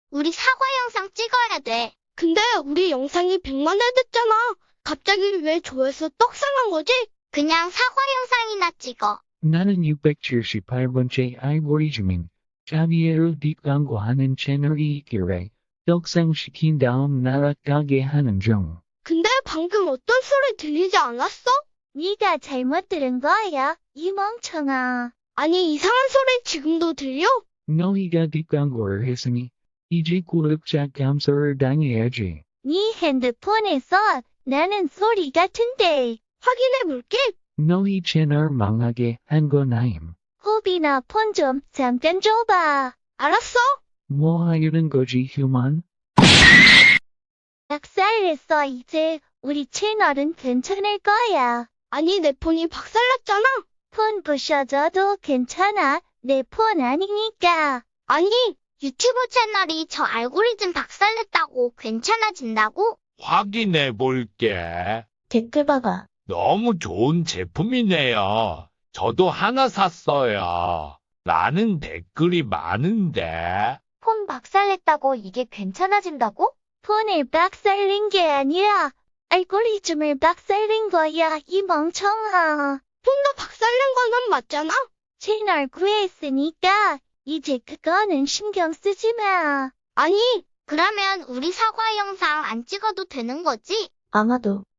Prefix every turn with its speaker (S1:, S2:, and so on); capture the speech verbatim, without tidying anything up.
S1: 우리 사과 영상 찍어야 돼.
S2: 근데 우리 영상이 백만 회 됐잖아. 갑자기 왜 조회수 떡상한 거지?
S1: 그냥 사과 영상이나 찍어.
S3: 나는 육백칠십팔 번째 알고리즘인 자비에로 뒷광고하는 채널이 있기래 떡상시킨 다음 날아가게 하는 중.
S2: 근데 방금 어떤 소리 들리지 않았어?
S4: 네가 잘못 들은 거야, 이 멍청아.
S2: 아니, 이상한 소리 지금도 들려?
S3: 너희가 뒷광고를 했으니 이제 구독자 감소를 당해야지.
S4: 네 핸드폰에서 나는 소리 같은데.
S2: 확인해 볼게.
S3: 너희 채널 망하게 한 건 아임.
S4: 호비나 폰 좀 잠깐 줘봐.
S2: 알았어.
S3: 뭐 하려는 거지 휴먼?
S4: 박살냈어. 이제 우리 채널은 괜찮을 거야.
S2: 아니, 내 폰이 박살났잖아.
S4: 폰 부셔져도 괜찮아. 내 폰 아니니까.
S2: 아니,
S1: 유튜브 채널이 저 알고리즘 박살냈다고 괜찮아진다고?
S5: 확인해 볼게.
S4: 댓글 봐봐.
S5: 너무 좋은 제품이네요. 저도 하나 샀어요. 라는 댓글이 많은데.
S1: 폰 박살냈다고 이게 괜찮아진다고?
S4: 폰을 박살낸 게 아니라 알고리즘을 박살낸 거야, 이 멍청아.
S2: 폰도 박살난 거는 맞잖아.
S4: 채널 구했으니까 이제 그거는 신경 쓰지 마.
S2: 아니,
S1: 그러면 우리 사과 영상 안 찍어도 되는 거지?
S4: 아마도